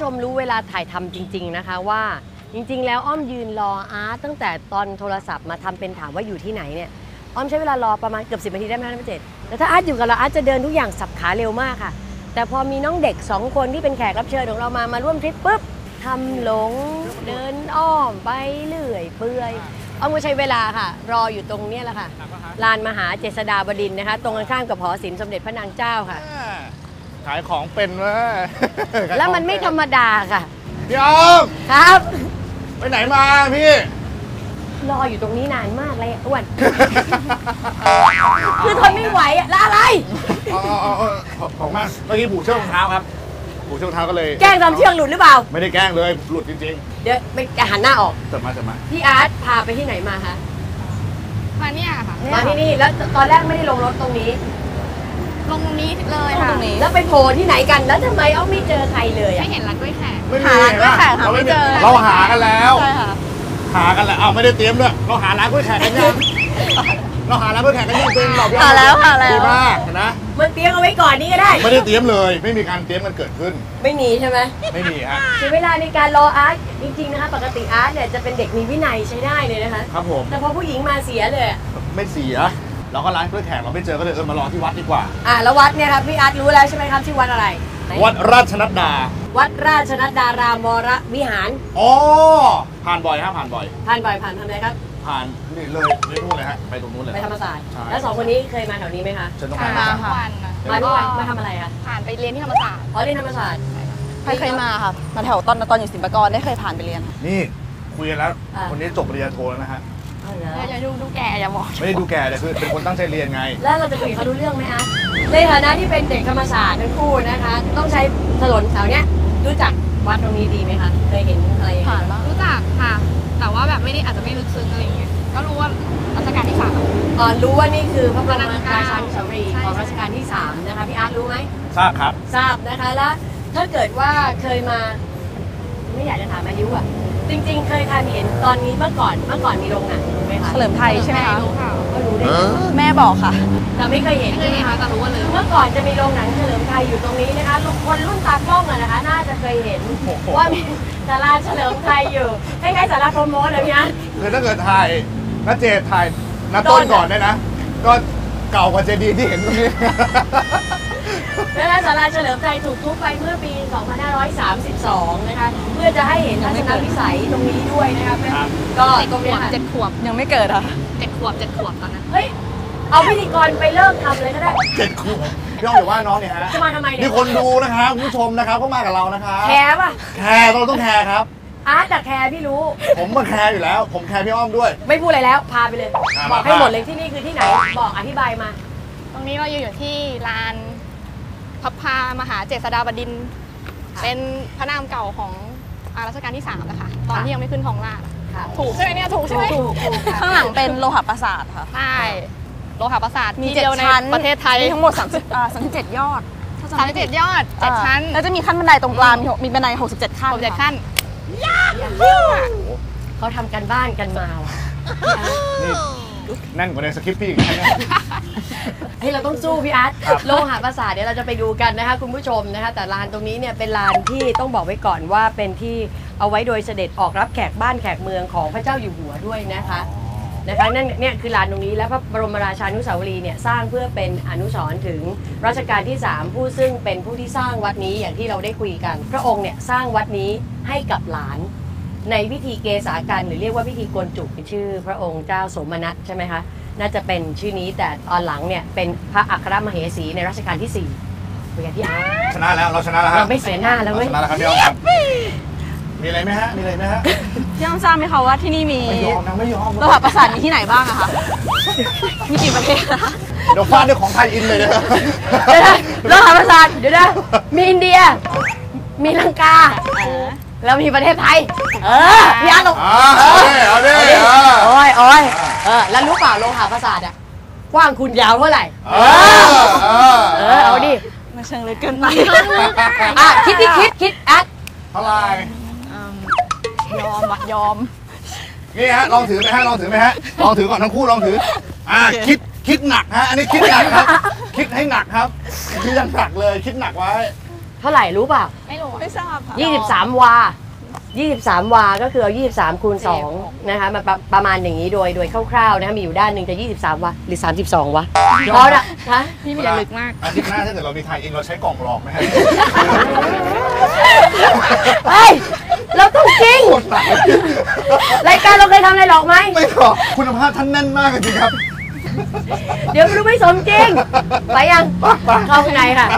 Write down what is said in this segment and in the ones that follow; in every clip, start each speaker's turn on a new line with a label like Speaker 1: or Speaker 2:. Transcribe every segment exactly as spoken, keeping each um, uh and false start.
Speaker 1: มรู้เวลาถ่ายทำจริงๆนะคะว่าจริงๆแล้วอ้อมยืนรออาร์ตตั้งแต่ตอนโทรศัพท์มาทำเป็นถามว่าอยู่ที่ไหนเนี่ยอ้อมใช้เวลารอประมาณเกือบสิบนาทีได้ไหมคะท่านผู้เจตแต่ถ้าอาร์ตอยู่กับเราอาร์ตจะเดินทุกอย่างสับขาเร็วมากค่ะแต่พอมีน้องเด็กสองคนที่เป็นแขกรับเชิญของเรามามาร่วมทริปปุ๊บทำหลงเดินอ้อมไปเรื่อยเปื่อยอ้อมก็ใช้เวลาค่ะรออยู่ตรงนี้แหละค่ะลานมหาเจษฎาบดินทร์นะคะตรงกันข้ามกับหอศิลป์สมเด็จพระนางเจ้าค่ะ
Speaker 2: ขายของเป็นเว้ย
Speaker 1: แล้วมันไม่ธรรมดาค่ะ
Speaker 2: พี่อ้อม
Speaker 1: ครับ
Speaker 2: ไปไหนมาพี่
Speaker 1: รออยู่ตรงนี้นานมากเลยอ้วนคือทนไม่ไหวอะแล้วอะไร
Speaker 2: อ๋อของมากเมื่อกี้ผูกเชือกรองเท้าครับผูกเชือกรองเท้าก็เลย
Speaker 1: แกล้งทำเชือกหลุดหรือเปล่า
Speaker 2: ไม่ได้แกล้งเลยหลุดจริง
Speaker 1: ๆเดี๋ยวไปหันหน้าออก
Speaker 2: จะมาจะมา
Speaker 1: พี่อาร์ตพาไปที่ไหนมาคะ
Speaker 3: มาเนี่ยค่ะ
Speaker 1: มาที่นี่แล้วตอนแรกไม่ได้ลงรถตรงนี้
Speaker 3: ลงตรงนี้เลยค่ะ
Speaker 1: แล้วไปโผล่ที่ไหนกันแล้วทำไมอ้อมไม่เจอใครเลย
Speaker 3: ไม่เห็นร้านกล้วยแขก
Speaker 2: หาร้านกล้วยแขกหาไม่เจอเราหากันแล้ว
Speaker 3: ใช่ค่ะ
Speaker 2: หากันแล้วอ้าวไม่ได้เตรียมด้วยเราหาร้านกล้วยแขกกันยังเราหาร้านกล้วยแขกกันยังเป็นเรา
Speaker 3: หาแล้วหาแล้ว
Speaker 2: ดีมากนะ
Speaker 1: มันเตรียมเอาไว้ก่อนนี่ก็ได้
Speaker 2: ไม่ได้เตรียมเลยไม่มีการเตรียมกันเกิดขึ้น
Speaker 1: ไม่มีใช่ไหม
Speaker 2: ไม่มีฮะ
Speaker 1: คือเวลาในการรออาร์ตจริงๆนะคะปกติอาร์ตเนี่ยจะเป็นเด็กมีวินัยใช้ได้เลยนะคะ
Speaker 2: ครับผม
Speaker 1: แต่พอผู้หญิงมาเสียเลย
Speaker 2: ไม่เสียเราก็ร้านกล้วยแขกเราไม่เจอก็เลยเออมารอที่วัดดีกว่า
Speaker 1: อ่าแล้ววัดเนี่ยครับพี่อาร์ตรู้แล้วใช่ไหมครับชื่อวัดอะไร
Speaker 2: วัดราชนัดดา
Speaker 1: วัดราชนัดดารามวรวิหาร
Speaker 2: อ๋อผ่านบ่อยฮะผ่านบ่อย
Speaker 1: ผ่านบ่อยผ่านทำอะไรครับ
Speaker 2: ผ่านนี่เลยไปนู่นเลยฮะไปตรงนู้นเลย
Speaker 1: ไปธรรมศาสตร์แล้วสองคนนี้เคยมาแถวนี้ไหมคะ
Speaker 2: ฉันต้อง
Speaker 3: มาค่ะ
Speaker 1: มาด้วยมาทำอะไรคะ
Speaker 3: ผ่านไปเรียนที่ธรรมศาสตร์
Speaker 1: อ๋อเรียนธรรมศาสตร์
Speaker 3: ใครเคยมาค่ะมาแถวตอนตอนอยู่ศิลปากรได้เคยผ่านไปเรียน
Speaker 2: นี่คุยกันแล้วคนนี้จบปริญญาโทแล้วนะฮะ
Speaker 3: อย่าดูดูแก่อย่าบอก
Speaker 2: ไม่ได้ดูแก่แต่คือเป็นคนตั้งใจเรียนไง
Speaker 1: แล้วเราจะคุยเขารู้เรื่องไหมคะในฐานะที่เป็นเด็กธรรมศาสตร์ทั้งคู่นะคะต้องใช้ถนนแถวเนี้ยรู้จักวัดตรงนี้ดีไหมคะเคยเห็นอะไร
Speaker 3: ผ่านบ้างรู้จักค่ะแต่ว่าแบบไม่ได้อาจจะไม่ลึกซึ้งอะไรอย่างเงี้ยก็รู้ว่ารัชกาลที่สาม
Speaker 1: อ๋อรู้ว่านี่คือพระบรมราชานุสาวรีย์ของรัชกาลที่สามนะคะพี่อาร์ตรู้ไหม
Speaker 2: ทราบครับ
Speaker 1: ทราบนะคะแล้วถ้าเกิดว่าเคยมาไม่อยากจะถามอายุอ่ะจริงๆเคยทานเห็นตอนนี้เมื่อก่อนเมื่อก่อนมีโรงหนังไหมคะ
Speaker 3: เฉลิมไทยใช่ไหมคะ
Speaker 1: ก็รู้ได้
Speaker 3: แม่บอกค่ะ
Speaker 1: แต่ไม่เคยเห็นใช่ไหมคะแต่รู้ว่าเลยเมื่อก่อนจะมีโรงหนังเฉลิมไทยอยู่ตรงนี้นะคะคนรุ่นตากล้องอะนะคะน่าจะเคยเห็นว่ามีศาลาเฉลิมไทยอยู่คล้ายๆศาลาโปรโมทอะไรเงี้ย
Speaker 2: คือถ้าเกิดถ่ายนัดเจดถ่ายนัดต้นก่อนได้นะก็เก่ากว่าเจดีย์ที่เห็นตรงนี้
Speaker 1: และศาลาเฉลิมไทยถูกทุบไปเมื่อปี สองพันห้าร้อยสามสิบสอง นะคะเพื่อจะให้เห็นทัศนวิสัยตรงนี้ด้วยนะคะก็ตรงนี้
Speaker 3: เจ็ดขวบยังไม่เกิดอ่ะเจ็ดขวบเจ็ดขวบตอนนั้น
Speaker 1: เฮ้ยเอาพิธีกรไปเริ่มทำเลยก็ได้
Speaker 2: เจ็ดขวบพี่อ้อมอย่าว่าน้องเนี่ยฮะ
Speaker 1: จะมาทำไมเนี่ย
Speaker 2: มีคนดูนะครับผู้ชมนะครับเขามากับเรานะครับ
Speaker 1: แคร์ป่ะ
Speaker 2: แคร์เราต้องแคร์ครับ
Speaker 1: อาร์ตแต่แคร์พี่รู้
Speaker 2: ผมมาแคร์อยู่แล้วผมแคร์พี่อ้อมด้วย
Speaker 1: ไม่พูดอะไรแล้วพาไปเลยบอกให้หมดเลยที่นี่คือที่ไหนบอกอธิบายมา
Speaker 3: ตรงนี้เราอยู่ที่ลานพระพามหาเจษฎาบดินทร์เป็นพระนามเก่าของรัชกาลที่สามนะคะตอนที่ยังไม่ขึ้นทองราชถูกใช่ไหมเนี่ยถูกใช่ไหมข้างหลังเป็นโลหะปราสาทค่ะใช่โลหะปราสาทมีเจ็ดชั้นประเทศไทยทั้งหมดสามสิบสามสิบเจ็ดยอดสามสิบเจ็ดยอดเจ็ดชั้นแล้วจะมีขั้นบันไดตรงกลางมีบันไดหกสิบเจ็ดขั้นหกสิบเจ็ดขั้น
Speaker 1: เขาทำกันบ้านกันมาว่ะ
Speaker 2: นั่นกว่าในสคริปต์พี่
Speaker 1: เฮ้ยเราต้องสู้พี่อาร์ตโลหะปราสาทเดี๋ยวเราจะไปดูกันนะคะคุณผู้ชมนะคะแต่ลานตรงนี้เนี่ยเป็นลานที่ต้องบอกไว้ก่อนว่าเป็นที่เอาไว้โดยเสด็จออกรับแขกบ้านแขกเมืองของพระเจ้าอยู่หัวด้วยนะคะนะคะนั่นเนี่ยคือลานตรงนี้และพระบรมราชานุสาวรีย์เนี่ยสร้างเพื่อเป็นอนุสรณ์ถึงรัชกาลที่สามผู้ซึ่งเป็นผู้ที่สร้างวัดนี้อย่างที่เราได้คุยกันพระองค์เนี่ยสร้างวัดนี้ให้กับหลานในพิธีเกษากันหรือเรียกว่าพิธีโกนจุกชื่อพระองค์เจ้าสมนัสใช่ไหมคะน่าจะเป็นชื่อนี้แต่ตอนหลังเนี่ยเป็นพระอัครมเหสีในรัชกาลที่สี่คุยกันที่อา
Speaker 2: ชนะแล้วเราชนะแล้ว
Speaker 1: เราไม่เสียหน้าแล้วเว้ย
Speaker 2: ชนะแล้วครับพี่อ้อมครับมีอะไรไหมฮะมีอะไรไหมฮะ
Speaker 3: พี่อ้อมทราบไหมคะว่าที่นี่มี
Speaker 2: ไม่ยอมนะไม่ยอม
Speaker 3: โลหะปราสาทมีที่ไหนบ้างอะคะมีกี่ประเทศนะ
Speaker 2: เดี๋ยวฟาดด้วยของไทยอินเลยนะ
Speaker 1: โลหะปราสาทเดี๋ยวนะมีอินเดียมีลังกาแล้วมีประเทศไทยเออพี่อาร์ตลง
Speaker 2: เอาดิ
Speaker 1: โอ้ยโอ้ยเออแล้วรู้เปล่าโลหะปราสาทอะกว้างคุณยาวเท่าไหร่เออเออเอาดิ
Speaker 3: มาเชิงเลยเกินไป
Speaker 1: อ่ะคิดดิคิดคิดแอด
Speaker 2: เท่าไหร่
Speaker 3: ยอมวะยอม
Speaker 2: นี่ฮะลองถือไหมฮะลองถือไหมฮะลองถือก่อนทั้งคู่ลองถืออ่าคิดคิดหนักฮะอันนี้คิดหนักครับคิดให้หนักครับคิดยังหนักเลยคิดหนักไว้
Speaker 1: เท่าไหร่รู้เปล่า
Speaker 3: ไม่รู้ไม่ทราบค่ะ
Speaker 1: ยี่สิบสามวายี่สิบสามวาก็คือเอายี่สิบสามคูณสองนะคะมาประประมาณอย่างนี้โดยโดยคร่าวๆนะคะมีอยู่ด้านหนึ่งจะยี่สิบสามวาหรือสามสิบสองวะพอละฮะ
Speaker 3: พี่มีอย่าลึกมาก
Speaker 2: อาทิตย์หน้าถ้าเกิดเรามีไทยเองเราใช้กล่องหลอกไหมฮะ
Speaker 1: เฮ้ยเราต้องจริงรายการเราเคยทำอะไรหรอกไหม
Speaker 2: ไม่หรอกคุณภาพท่านแน่นมากจริงๆครับ
Speaker 1: เดี๋ยวไม่รู้ไม่สมจริงไปยังเข้าข้างในค่ะ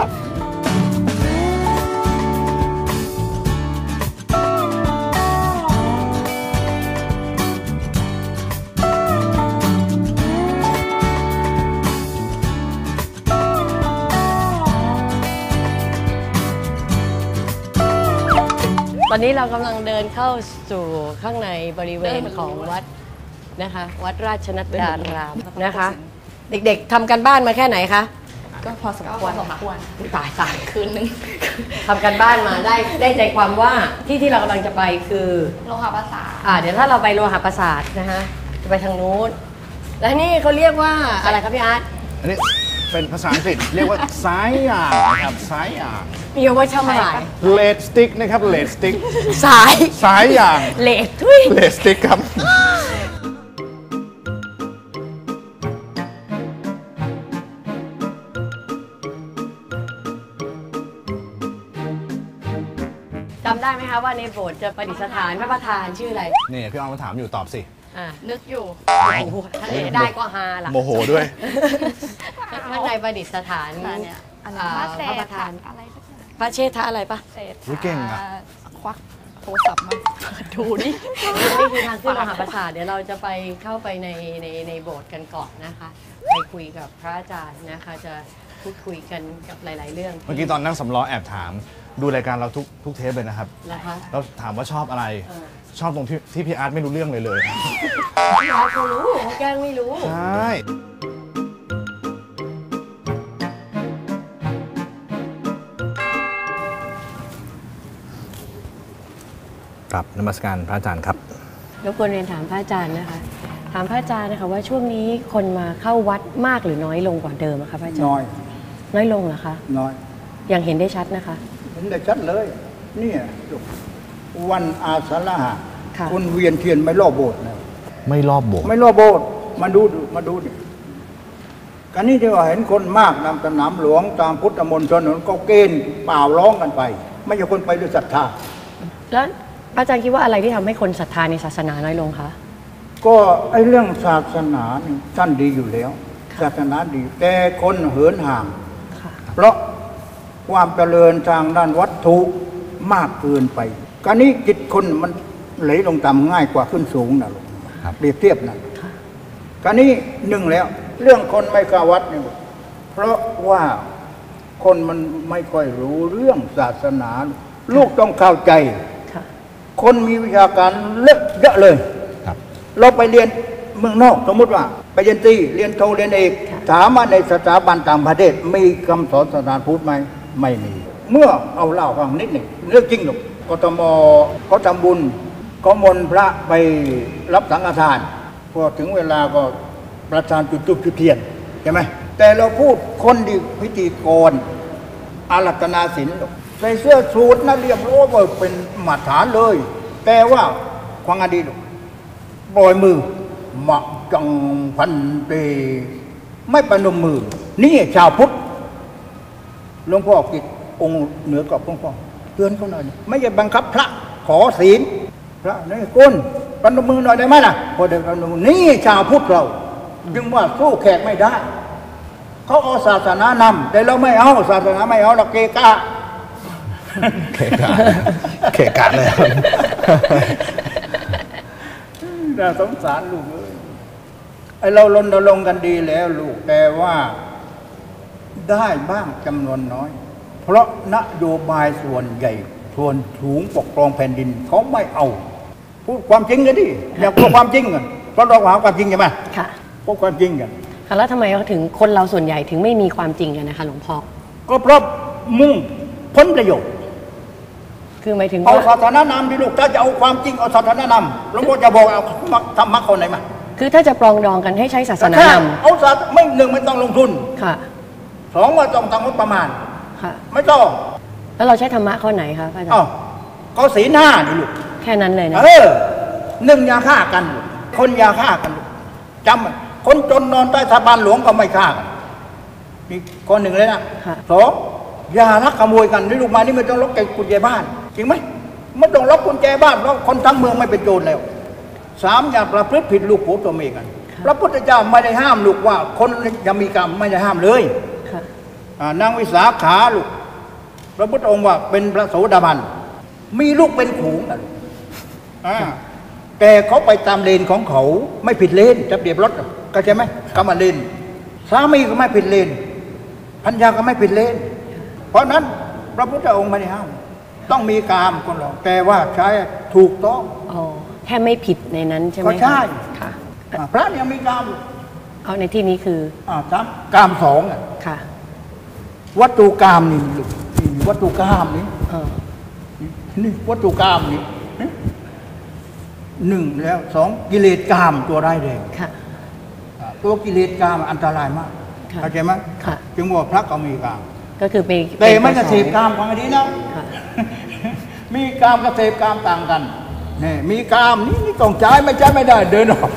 Speaker 1: ตอนนี้เรากำลังเดินเข้าสู่ข้างในบริเวณของวัดนะคะวัดราชนัดดารามนะคะ เด็กๆทำกันบ้านมาแค่ไหนคะ
Speaker 3: ก็พอสมควรค่ะ
Speaker 1: ตายตาย
Speaker 3: คืนนึง
Speaker 1: ทำกันบ้านมาได้ได้ใจความว่าที่ที่เรากำลังจะไปคือ
Speaker 3: โลหะภาษา
Speaker 1: อ่าเดี๋ยวถ้าเราไปโลหะประสาทนะคะจะไปทางนู้นและนี่เขาเรียกว่าอะไรครับพี่อาร์ต
Speaker 2: อันนี้เป็นภาษาอังกฤษเรียกว่าสายยางนะครับสายยาง
Speaker 1: มีเอาไว้ทำอะไร
Speaker 2: เลดสติ๊กนะครับเลดสติ๊ก
Speaker 1: สาย
Speaker 2: สายยาง
Speaker 1: เลดทุย
Speaker 2: เลดสติ๊กครับ
Speaker 1: จำได้ไหมคะว่าในโบสถ์จะประดิษฐานพระประธานชื่ออะไร
Speaker 2: นี่พี่ออมมาถามอยู่ตอบสิ
Speaker 1: อ่า
Speaker 3: นึกอยู่
Speaker 1: โอ้โหถ้าได้ก็ฮาล่ะ
Speaker 2: โมโหด้วย
Speaker 1: ข้างในประดิษฐาน
Speaker 3: เนี่ยอัน
Speaker 1: อ่า
Speaker 3: นั้น
Speaker 1: พระประธาน
Speaker 3: อะไรสักอย่าง
Speaker 1: พระเชษฐะอะไรปะ
Speaker 3: เศษ
Speaker 2: อุ๊ยเก่งอะ
Speaker 3: ควักโทรศัพท์มาดูดิ
Speaker 1: นี่คือทางขึ้นมหาปราสาทเดี๋ยวเราจะไปเข้าไปในในในโบสถ์กันก่อนนะคะ ไปคุยกับพระอาจารย์นะคะ จะพูดคุยกันกับหลาย ๆ เรื่อง
Speaker 2: เมื่อกี้ตอนนั่งสำล้อแอบถาม ดูรายการเราทุกทุกเทปเลยนะครับ
Speaker 1: นะคะ
Speaker 2: แล้วถามว่าชอบอะไร
Speaker 1: เออ
Speaker 2: ชอบตรงที่ที่พี่อาร์ตไม่รู้เรื่องเลยเลย
Speaker 1: พี่อาร์ตเขารู้เขาแกล้งไม่รู้
Speaker 2: ใช่ ครับนมัสการพระอาจารย์ครับ
Speaker 1: รบกวนเรียนถามพระอาจารย์นะคะ ถามพระอาจารย์นะคะว่าช่วงนี้คนมาเข้าวัดมากหรือน้อยลงกว่าเดิมอะคะพระอาจารย์
Speaker 4: น้อย
Speaker 1: น้อยลงเหรอคะ
Speaker 4: น้อย
Speaker 1: ยังเห็นได้ชัดนะคะ
Speaker 4: เห็นได้ชัดเลยเนี่ยลูกวันอาสาฬหะ
Speaker 1: ค่ะ
Speaker 4: คนเวียนเทียนไม่รอบโบสถ์นะ
Speaker 2: ไม่รอบโบสถ์
Speaker 4: ไม่รอบโบสถ์มาดูดูมาดูดิกันนี้ที่ว่าเห็นคนมากนำสนามหลวงตามพุทธมณฑลนั้นก็เกณฑ์เปล่าร้องกันไป ไม่ใช่คนไปด้วยศรัทธา
Speaker 1: แล้วพระอาจารย์คิดว่าอะไรที่ทำให้คนศรัทธาในศาสนาน้อยลงคะ
Speaker 4: ก็ไอ้เรื่องศาสนานี่ท่านดีอยู่แล้ว ศาสนาดี แต่คนเหินห่าง
Speaker 1: ค่ะ
Speaker 4: เพราะความเจริญทางด้านวัตถุมากเกินไปการนี้จิตคนมันไหลลงต่ำง่ายกว่าขึ้นสูงนะลูกเปรียบเทียบนะการนี้หนึ่งแล้ว เรื่องคนไม่เข้าวัดเนี่ยเพราะว่าคนมันไม่ค่อยรู้เรื่องศาสนา ลูกต้องเข้าใจ
Speaker 1: ค่ะ
Speaker 4: คนมีวิชาการเลอะเยอะเลย
Speaker 2: ครับ
Speaker 4: เราไปเรียนเมืองนอกสมมติว่าไปเรียนตรีเรียนโทเรียนเอกถามว่าในสถาบันต่างประเทศมีคำสอนศาสนาพุทธไหมไม่มี เมื่อเอาเล่าฟังนิดหนึ่งเรื่องจริงหรอกกทมเขาทำบุญเขามนต์พระไปรับสังฆทานพอถึงเวลาก็ประธานจุดจุดจุดเทียนใช่ไหมแต่เราพูดคนดีพิธีกรอารัตนาศิลป์ใส่เสื้อสูทนะเรียบร้อยว่าเป็นมาตรฐานเลย แต่ว่าความอดีตปล่อยมือหมักจังพันเตไม่ประนมมือนี่ชาวพุทธหลวงพ่อกิจองค์เหนือกับหลวงพ่อเตือนเขาหน่อยไม่ใช่บังคับพระขอศีลพระนี่คุณประนมมือหน่อยได้ไหมล่ะพอได้ประนมมือนี่ชาวพุทธเราจึงว่าสู้แขกไม่ได้เขาเอาศาสนานำแต่เราไม่เอาศาสนาไม่เอาเราเกกะ
Speaker 2: เขกะเขกะเลย
Speaker 4: น่าสงสารลูกเอ้ยไอเรารณรงค์กันดีแล้วลูกแต่ว่าได้บ้างจำนวนน้อย เพราะนโยบายส่วนใหญ่ส่วนสูงปกครองแผ่นดินเขาไม่เอา พูดความจริงกันดิอย่าพูดความจริงกันเพราะเราหาความจริงใช่ไหม
Speaker 1: ค่ะ
Speaker 4: พูดความจริงกัน
Speaker 1: ค่ะแล้วทำไมเขาถึงคนเราส่วนใหญ่ถึงไม่มีความจริงกันนะคะหลวงพ่อ
Speaker 4: ก็เพราะมุ่งผลประโยชน์
Speaker 1: คือหมายถึง
Speaker 4: เอา
Speaker 1: ว่า
Speaker 4: ศาสนานำดิลูกถ้าจะเอาความจริงเอาศาสนานำหลวงพ่อจะบอกเอาธรรมะคนไหนมา
Speaker 1: คือถ้าจะปรองดองกันให้ใช้ศาสนา
Speaker 4: แต่
Speaker 1: น
Speaker 4: ถ้เอาศาสไม่หนึ่งไม่ต้องลงทุน
Speaker 1: ำค่ะ
Speaker 4: สองว่าต้องทำงบประมาณ
Speaker 1: ค่ะ
Speaker 4: ไม่ต้อง
Speaker 1: แล้วเราใช้ธรรมะข้อไหนคะพระอาจาร
Speaker 4: อ้าว
Speaker 1: ย์
Speaker 4: ก็ศีลห้านี่ลูก
Speaker 1: แค่นั้นเลยนะ
Speaker 4: เออหนึ่งอย่าฆ่ากันลูกคนอย่าฆ่ากันลูกจำไว้คนจนนอนใต้สะพานหลวงก็ไม่ฆ่ากันนี่ข้อหนึ่งเลยนะ
Speaker 1: ค่ะ
Speaker 4: สองอย่าลักขโมยกันนี่ลูกมานี่ไม่ต้องล็อกกุญแจบ้านจริงไหมไม่ต้องล็อกกุญแจบ้านเพราะคนทั้งเมืองไม่เป็นโจรแล้วสามอย่าประพฤติผิดลูกผัวตัวเมียกัน พระพุทธเจ้าไม่ได้ห้ามลูกว่าคนอย่ามีกรรมไม่ได้ห้ามเลย
Speaker 1: ค่ะ
Speaker 4: อ่านางวิสาขาลูกพระพุทธองค์ว่าเป็นพระโสดาบันมีลูกเป็นขู่นะลูกอ่าแต่เขาไปตามเลนของเขาไม่ผิดเลนจะเบียบรถก็ใช่ไหมกำมาเลนสามีก็ไม่ผิดเลนพัญญาก็ไม่ผิดเลนเพราะนั้นพระพุทธองค์ไม่ได้ห้ามต้องมีกามคนเราแต่ว่าใช้ถูกต้อง
Speaker 1: อ๋อแค่ไม่ผิดในนั้นใช่ไหม
Speaker 4: ก็ใช่
Speaker 1: ค่ะ
Speaker 4: อ่าพระยังมีกามอยู่
Speaker 1: เอาในที่นี้คือ
Speaker 4: อ่าสามกามสองอ่ะ
Speaker 1: ค่ะ
Speaker 4: วัตถุกามนี่ลูกนี่วัตถุกามนี่
Speaker 1: เออ
Speaker 4: นี่วัตถุกามนี่หนึ่งแล้วสองกิเลสกามตัวร้ายแรง
Speaker 1: ค่ะ
Speaker 4: อ่าตัวกิเลสกามอันตรายมาก
Speaker 1: ค่ะ
Speaker 4: เข้าใจไหม
Speaker 1: ค่ะ
Speaker 4: จึงว่าพระก็มีกาม
Speaker 1: ก็คือไป
Speaker 4: แต่ไม่กระ
Speaker 1: น
Speaker 4: เสพกามฟังให้ดีนะ
Speaker 1: ค่ะ
Speaker 4: มีกามกระเสพกามต่างกันนี่มีกามนี่นี่ต้องใช้ไม่ใช้ไม่ได้เดินออก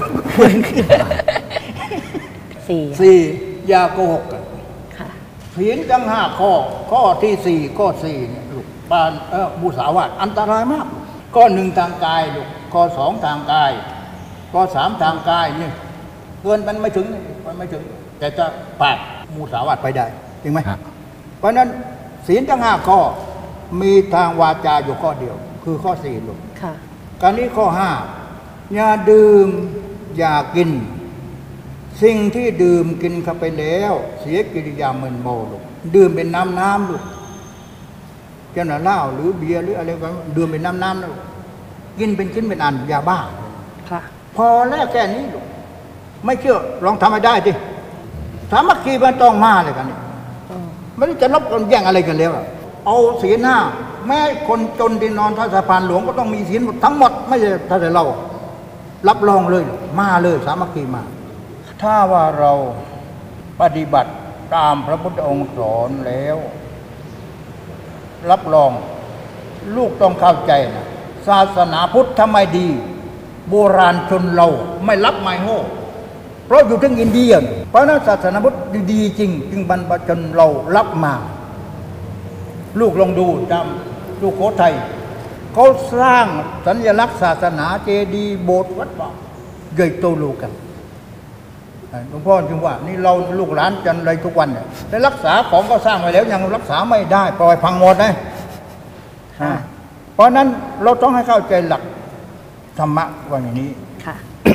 Speaker 1: สี่
Speaker 4: สี่อย่าโกหกกัน
Speaker 1: ค่ะ
Speaker 4: ศีลทั้งห้าข้อ ข้อที่สี่ข้อสี่เนี่ยลูกปานเออมุสาวาทอันตรายมากข้อหนึ่งทางกายลูกข้อสองทางกายข้อสามทางกายนี่เกินมันไม่ถึงมันไม่ถึง แต่จะปาดมุสาวาทไปได้จริงไหม
Speaker 2: ครับ
Speaker 4: เพราะฉะนั้นศีลทั้งห้าข้อมีทางวาจาอยู่ข้อเดียว คือข้อสี่ลูก
Speaker 1: ค่ะ
Speaker 4: การนี้ข้อห้าอย่าดื่มอย่ากิน สิ่งที่ดื่มกินเข้าไปแล้ว เสียกิริยามึนเมาลูกดื่มเป็นน้ำน้ำลูกเจ้าหน้าเหล้าหรือเบียร์หรืออะไรก็ดื่มเป็นน้ำน้ำลูกกินเป็นชิ้นเป็นอันยาบ้า
Speaker 1: ค่ะ
Speaker 4: พอแล้วแค่นี้ลูกไม่เชื่อลองทำให้ได้ดิสามัคคีมันต้องมาเลยกันนี่
Speaker 1: อ๋อ
Speaker 4: ไม่ได้จะลบกันแย่งอะไรกันแล้วอะเอาศีลห้าแม้คนจนที่นอนท่าสะพานหลวงก็ต้องมีศีลหมดทั้งหมดไม่ใช่ถ้าแต่เรา รับรองเลยมาเลยสามัคคีมา ถ้าว่าเราปฏิบัติตามพระพุทธองค์สอนแล้ว รับรองลูกต้องเข้าใจนะศาสนาพุทธทำไมดี โบราณชนเราไม่รับไม่โง่เพราะอยู่ทั้งอินเดียเพราะนั้นศาสนาพุทธดีจริง จึงบรรพชนเรารับมา ลูกลองดูจำลูกโคไทยเขาสร้างสัญลักษณ์ศาสนาเจดีย์โบสถ์วัดป่าใหญ่โตโลกันหลวงพ่อจึงว่านี่เราลูกหลานจันไรทุกวันเนี่ยได้รักษาของก็สร้างไว้แล้วยังรักษาไม่ได้ปล่อยพังหมดนะอ่าเพราะนั้นเราต้องให้เข้าใจหลักธรรมะว่าอย่างนี้
Speaker 1: ค่ะ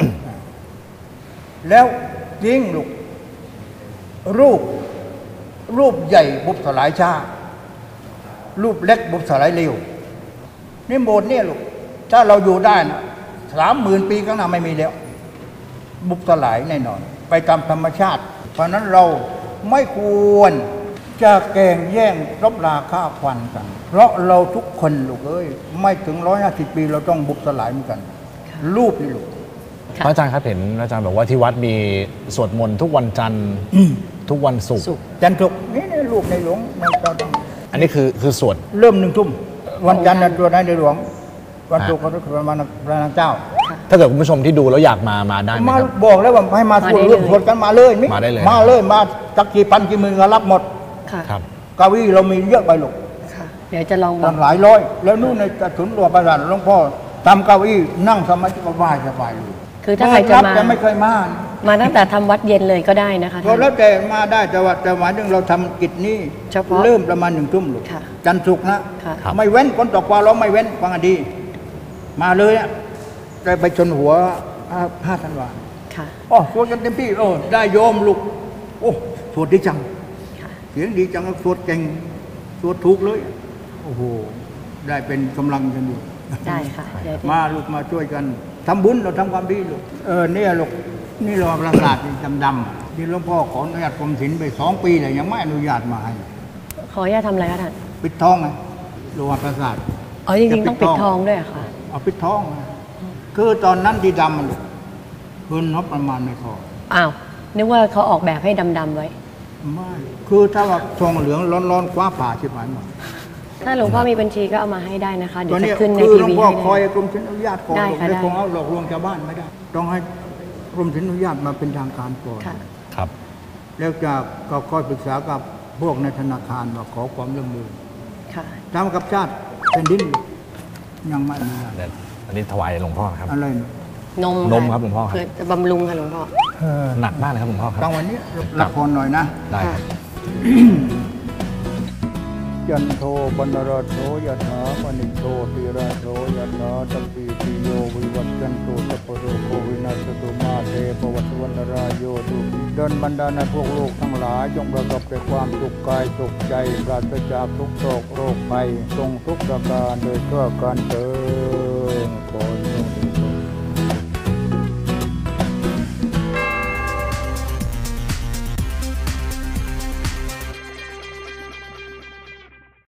Speaker 4: แล้วยิ่งลูกรูปรูปใหญ่บุบสลายช้ารูปเล็กบุบสลายเร็วนี่โบสถ์เนี่ยลูกถ้าเราอยู่ได้นะสามหมื่นปีข้างหน้าไม่มีแล้ว บุบสลายแน่นอน ไปตามธรรมชาติ เพราะนั้นเราไม่ควรจะแก่งแย่งรบราฆ่าฟันกัน เพราะเราทุกคนลูกเอ้ยไม่ถึงร้อยห้าสิบปีเราต้องบุบสลายเหมือนกัน รูปนี่ลูก
Speaker 1: ค่ะ
Speaker 2: พระอาจารย์ครับเห็นอาจารย์บอกว่าที่วัดมีสวดมนต์ทุกวันจันทร์ทุกวันศุกร์
Speaker 1: ศุกร์
Speaker 4: จันทร์ศุกร์นี่นี่รูปในหลวงในเจ้าต้อง
Speaker 2: อันนี้คือคือสวด
Speaker 4: เริ่มหนึ่งทุ่มวันจันทร์นะตัวในหลวง วันศุกร์ก็คือประมาณพระนางเจ้า
Speaker 2: ถ้าเกิดคุณผู้ชมที่ดูแล้วอยากมามาได้ไหม
Speaker 4: มา
Speaker 2: ครับ
Speaker 4: บอกแล้วว่าให้มาสวด
Speaker 1: มาได้เลย
Speaker 4: เรื่องสวดกันมาเลยมิ
Speaker 2: มาได้เลย
Speaker 4: มาเลยมาสักกี่พันกี่หมื่นก็รับหมด
Speaker 1: ค่ะ
Speaker 2: ครับ
Speaker 4: เก้าอี้เรามีเยอะไปหรอก
Speaker 1: ค่ะ เดี๋ยวจะลองบอ
Speaker 4: ตั้
Speaker 1: ก
Speaker 4: งหลายร้อย แล้วนู่นในกระสุนรัวประสาทหลวงพ่อทำเก้าอี้นั่งสมาธิสบายสบายเลย
Speaker 1: คือถ้าใครจะ
Speaker 4: รับ
Speaker 1: มา
Speaker 4: แต่ไม่เคยมา
Speaker 1: มาตั้งแต่ทำวัดเย็นเลยก็ได้นะคะ
Speaker 4: ก็แล้วแต่มาได้แต่ว่าแต่หมายถึงเราทำกิจนี้
Speaker 1: เฉพาะ
Speaker 4: เริ่มประมาณหนึ่งทุ่มลูก
Speaker 1: ค่ะ
Speaker 4: จันทร์ศุกร์นะ
Speaker 1: ค่ะ
Speaker 2: ครับ
Speaker 4: ไม่เว้นคนตกปลาเราไม่เว้นฟังให้ดี มาเลยอ่ะได้ไปชนหัวห้าธันวา
Speaker 1: ค่ะ
Speaker 4: อ๋อสวดกันเต็มที่โอ้ได้โยมลูกโอ้สวดดีจัง
Speaker 1: ค่ะ
Speaker 4: เสียงดีจังสวดเก่งสวดถูกเลยโอ้โหได้เป็นกำลังกันอยู่
Speaker 1: ได้ค่ะเดี๋ยว
Speaker 4: มาลูกมาช่วยกันทำบุญเราทำความดีลูกเออเนี่ยลูกนี่เราประสาทดำๆที่หลวงพ่อขออนุญาตกรมศิลป์ไปสองปีเลยยังไม่อนุญาตมาให้
Speaker 1: ขออนุญาตทำอะไรคะท่าน
Speaker 4: ปิดทองไงโลหะประสาท
Speaker 1: อ๋อจริงๆต้องปิดทองด้วยเหรอค่ะ
Speaker 4: เอาปิดทองไงคือตอนนั้นที่ดำมันลูกเพิ่นงบประมาณไม่พอ
Speaker 1: อ้าว นึกว่าเขาออกแบบให้ดำๆไว้
Speaker 4: ไม่คือถ้าว่าทองเหลืองร้อนๆคว้าผ่าชิบหายหมด
Speaker 1: ถ้าหลวงพ่อมีบัญชีก็เอามาให้ได้นะคะ เดี๋
Speaker 4: ต
Speaker 1: ย
Speaker 4: อ
Speaker 1: วน
Speaker 4: นี้
Speaker 1: จะขึ้นใน
Speaker 4: คือ
Speaker 1: ที
Speaker 4: หลวง
Speaker 1: วี
Speaker 4: พ่อ
Speaker 1: ให้
Speaker 4: คอย
Speaker 1: ได้
Speaker 4: กรมศิลปานุญาตก่อน
Speaker 1: ได้ค่ะ
Speaker 4: ไม่
Speaker 1: ได้
Speaker 4: คงเอาหลอกลวงชาวบ้านไม่ได้ ต้องให้กรมศิลปานุญาตมาเป็นทางการก่อน
Speaker 1: ค่ะ
Speaker 2: ครับ
Speaker 4: แล้วจะก็ค่อยปรึกษากับพวกในธนาคารว่าขอความร่วมมือ
Speaker 1: ค่ะ
Speaker 4: ทำกับชาติเป็นดินยังไม่มีอะไร
Speaker 2: เดี๋ยวอันนี้ถวายหลวงพ่อครับ
Speaker 4: อะไรนะ
Speaker 1: นม
Speaker 2: นมครับหลวงพ่อครับ
Speaker 1: เพื่อจะบำรุงค่ะหลวงพ่อ
Speaker 2: หนักมากเลยครับหลวงพ่อครับ
Speaker 4: ตั้งวันนี้ละครหน่อยนะ
Speaker 2: ได้ครับ
Speaker 4: ยันโทบรรณราโสยถามณิโตติราโสยถาตัมปีติโยวิวัตจันตุสัพพโรโควินาศตุมาเตปวัตวันตรายโยตุดลบรรดาในพวกโลกทั้งหลายจงประกอบด้วยความสุขกายสุขใจปราศจากทุกโศกโรคภัยทรงทุกประการโดยทั่วกันเถิด